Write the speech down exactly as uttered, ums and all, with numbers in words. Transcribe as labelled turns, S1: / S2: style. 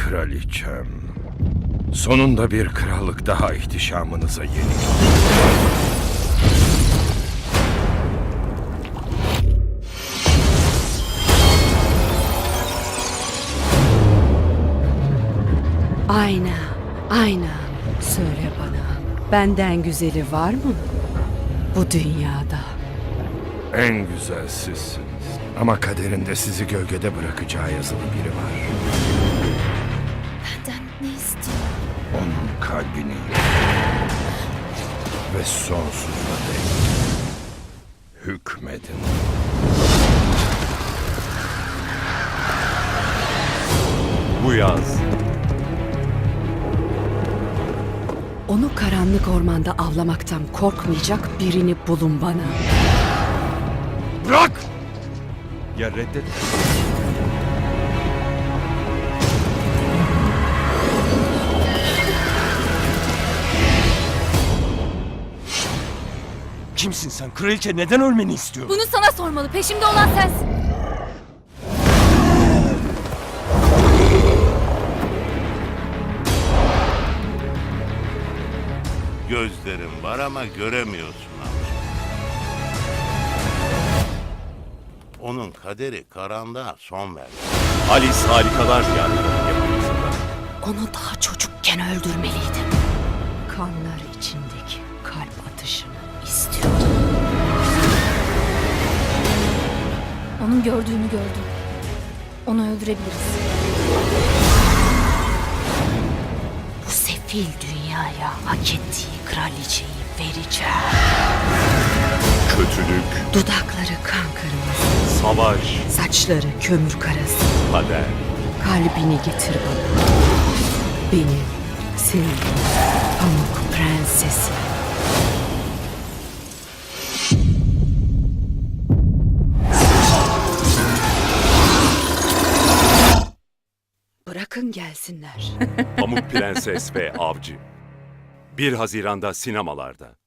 S1: kraliçem. Sonunda bir krallık daha ihtişamınıza yenik.
S2: Ayna, ayna. Söyle bana, benden güzeli var mı bu dünyada?
S1: En güzel sizsiniz. Ama kaderinde sizi gölgede bırakacağı yazılı biri var.
S3: Benden ne istiyor?
S1: Onun kalbini ve sonsuza dek hükmedin.
S4: Bu yaz
S2: Onu karanlık ormanda avlamaktan korkmayacak birini bulun bana.
S1: Bırak!
S4: ya reddet.
S5: Kimsin sen? Kraliçe neden ölmeni istiyor?
S3: Bunu sana sormalı. Peşimde olan sensin.
S6: Gözlerin var ama göremiyorsun amca. Onun kaderi karanlığa son verdi.
S4: Alice Harikalar Diyarları'nın yapımcısında.
S2: Onu daha çocukken öldürmeliydim. Kanlar içindeki kalp atışını istiyordum.
S3: Onun gördüğünü gördüm. Onu öldürebiliriz.
S2: Bu sefil dünyaya hak ettiği kraliçeyi vereceğim.
S4: Kötülük,
S2: Dudakları kan kırmızı,
S4: savaş,
S2: saçları kömür karası.
S4: kader.
S2: Kalbini getir bana. Benim sevdiğim Pamuk Prensesi. Bırakın gelsinler.
S4: Pamuk Prenses ve Avcı. bir Haziran'da sinemalarda.